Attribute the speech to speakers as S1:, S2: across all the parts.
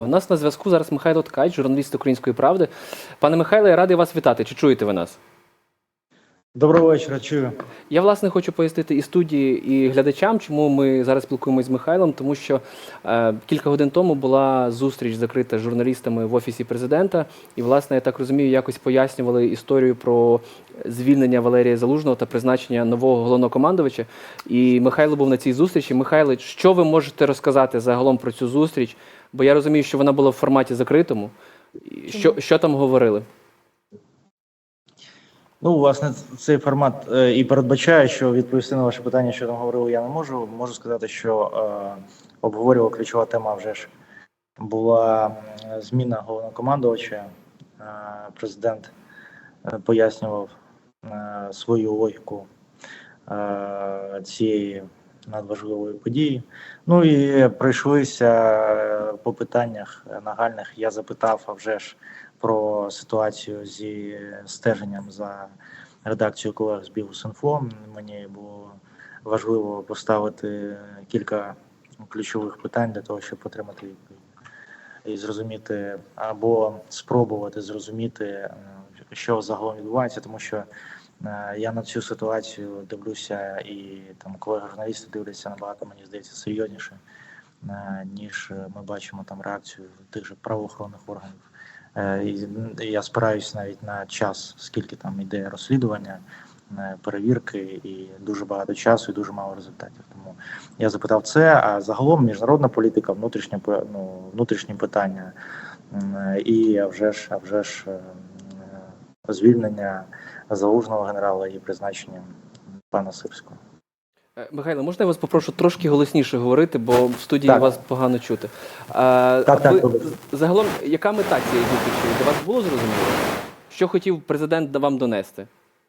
S1: У нас на зв'язку зараз Михайло Ткач, журналіст «Української правди». Пане Михайле, я радий вас вітати. Чи чуєте ви нас?
S2: Доброго вечора, чую.
S1: Я, власне, хочу пояснити і студії, і глядачам, чому ми зараз спілкуємося з Михайлом, тому що кілька годин тому була зустріч закрита з журналістами в Офісі Президента, і, власне, я так розумію, якось пояснювали історію про звільнення Валерія Залужного та призначення нового головнокомандувача. І Михайло був на цій зустрічі. Михайло, що ви можете розказати загалом про цю зустріч? Бо я розумію, що вона була в форматі закритому. Що там говорили?
S2: Ну, власне, цей формат і передбачає, що відповісти на ваше питання, що там говорили, я не можу. Можу сказати, що обговорювала ключова тема вже ж була зміна головнокомандувача. Президент пояснював свою логіку цієї надважливої події. Ну і пройшлися по питаннях нагальних. Я запитав, а вже ж, про ситуацію зі стеженням за редакцією колег з Бігус.Інфо. Мені було важливо поставити кілька ключових питань для того, щоб отримати відповідь і зрозуміти або спробувати зрозуміти, що загалом відбувається, тому що я на цю ситуацію дивлюся, і там колеги-журналісти дивляться набагато, мені здається, серйозніше, ніж ми бачимо там реакцію тих же правоохоронних органів. Я спираюсь навіть на час, скільки там йде розслідування, перевірки, і дуже багато часу, і дуже мало результатів. Тому я запитав це, а загалом міжнародна політика, внутрішні питання, і а вже ж звільнення Залужного генерала і призначення пана Сирського.
S1: Михайло, можна я вас попрошу трошки голосніше говорити, бо в студії вас погано чути. Загалом, яка мета цієї зустрічі? Для вас було зрозуміло? Що хотів президент вам донести?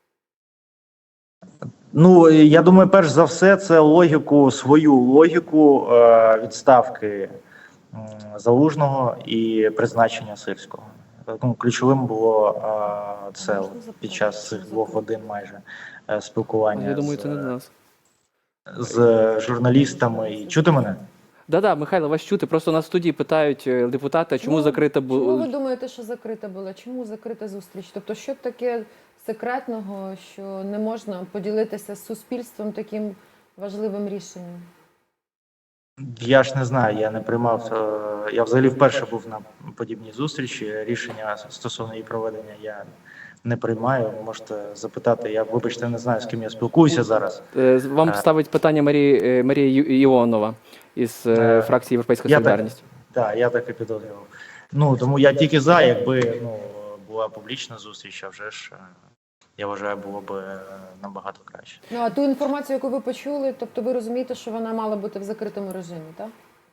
S2: Ну, я думаю, перш за все, це свою логіку відставки Залужного і призначення Сирського. Ключовим було це під час цих 2 годин майже спілкування.
S1: Я думаю, це не до нас.
S2: З журналістами. І чути мене?
S1: Да, Михайло, вас чути. Просто на студії питають депутати, чому закрита була.
S3: Чому ви думаєте, що закрита була? Чому закрита зустріч? Тобто, що таке секретного, що не можна поділитися з суспільством таким важливим рішенням?
S2: Я ж не знаю, я не приймав. Я взагалі вперше був на подібній зустрічі. Рішення стосовно її проведення я не приймаю. Можете запитати. Я, вибачте, не знаю, з ким я спілкуюся зараз.
S1: Вам ставить питання Марія Іонова із фракції «Європейська солідарність».
S2: Так, я так і підозрював. Ну, тому я тільки за, якби була публічна зустріч, а вже ж, я вважаю, було б набагато краще.
S3: Ну, а ту інформацію, яку ви почули, тобто ви розумієте, що вона мала бути в закритому режимі, так?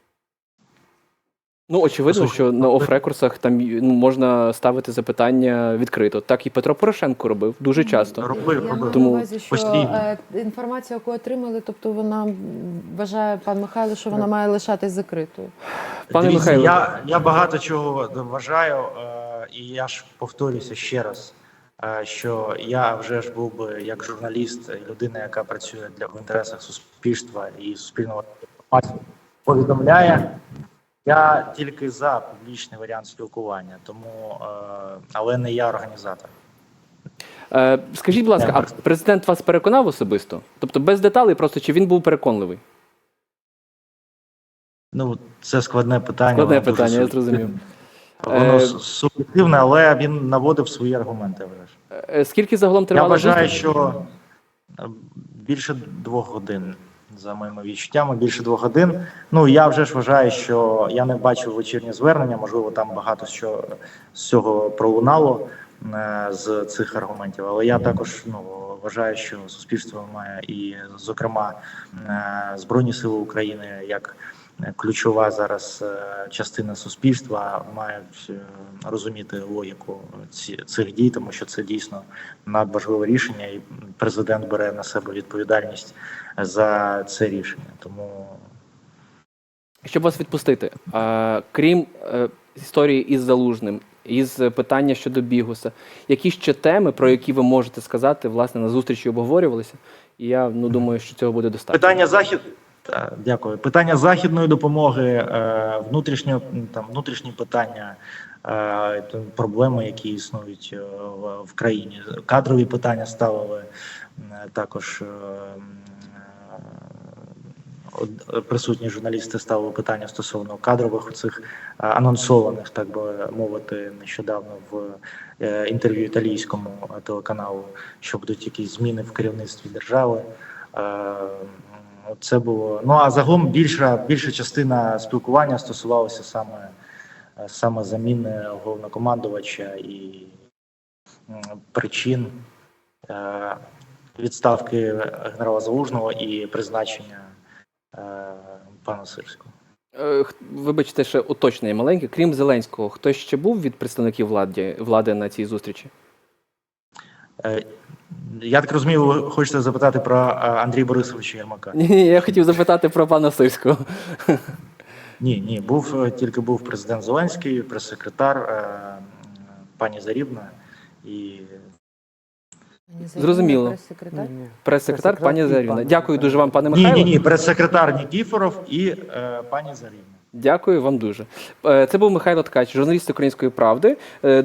S1: Ну, очевидно, що на оф-рекурсах там можна ставити запитання відкрито. Так і Петро Порошенко робив дуже часто.
S2: Робив.
S3: Я маю
S1: Тому
S3: на увазі, що інформацію, яку отримали, тобто вона вважає пан Михайло, що вона має лишатись закритою.
S1: Пане Михайло,
S2: я багато чого вважаю, і я ж повторюся ще раз, що я вже ж був би як журналіст, людина, яка працює в інтересах суспільства і суспільного повідомляє. Я тільки за публічний варіант спілкування, тому, але не я організатор.
S1: скажіть, будь ласка, а президент вас переконав особисто? Тобто без деталей, просто чи він був переконливий?
S2: Ну, це складне питання.
S1: Складне питання, я зрозумів.
S2: Воно суб'єктивне, але він наводив свої аргументи.
S1: Скільки загалом тривала
S2: зустріч? Я вважаю,
S1: зустріч?
S2: що більше 2 годин. За моїми відчуттями, більше 2 годин. Ну, я вже ж вважаю, що я не бачив вечірнє звернення, можливо, там багато що з цього пролунало з цих аргументів, але я також вважаю, що суспільство має і, зокрема, Збройні Сили України, як ключова зараз частина суспільства, мають розуміти логіку цих дій, тому що це дійсно надважливе рішення, і президент бере на себе відповідальність за це рішення. Тому,
S1: щоб вас відпустити, крім історії із Залужним, із питання щодо Бігуса, які ще теми, про які ви можете сказати, власне, на зустрічі обговорювалися? І я думаю, що цього буде достатньо.
S2: Так, дякую. Питання західної допомоги, внутрішні питання, проблеми, які існують в країні. Кадрові питання ставили також. Присутні журналісти ставили питання стосовно кадрових цих анонсованих, так би мовити, нещодавно в інтерв'ю італійському телеканалу, що будуть якісь зміни в керівництві держави. Це було. Ну а загалом більша частина спілкування стосувалася саме заміни головнокомандувача і причин відставки генерала Залужного і призначення пана Сирського.
S1: Вибачте, ще уточнення маленьке. Крім Зеленського, хтось ще був від представників влади на цій зустрічі?
S2: Я так розумію, ви хочете запитати про Андрія Борисовича Єрмака?
S1: Ні, я хотів запитати про пана Сирського.
S2: Ні, тільки був президент Зеленський, прес-секретар, пані Зарівна і...
S1: Зрозуміло.
S3: Прес-секретар?
S1: Прес-секретар пані Зарівна. Дякую дуже вам, пане Михайло.
S2: Ні, прес-секретар Нікіфоров і пані Зарівна.
S1: Дякую вам дуже. Це був Михайло Ткач, журналіст «Української правди».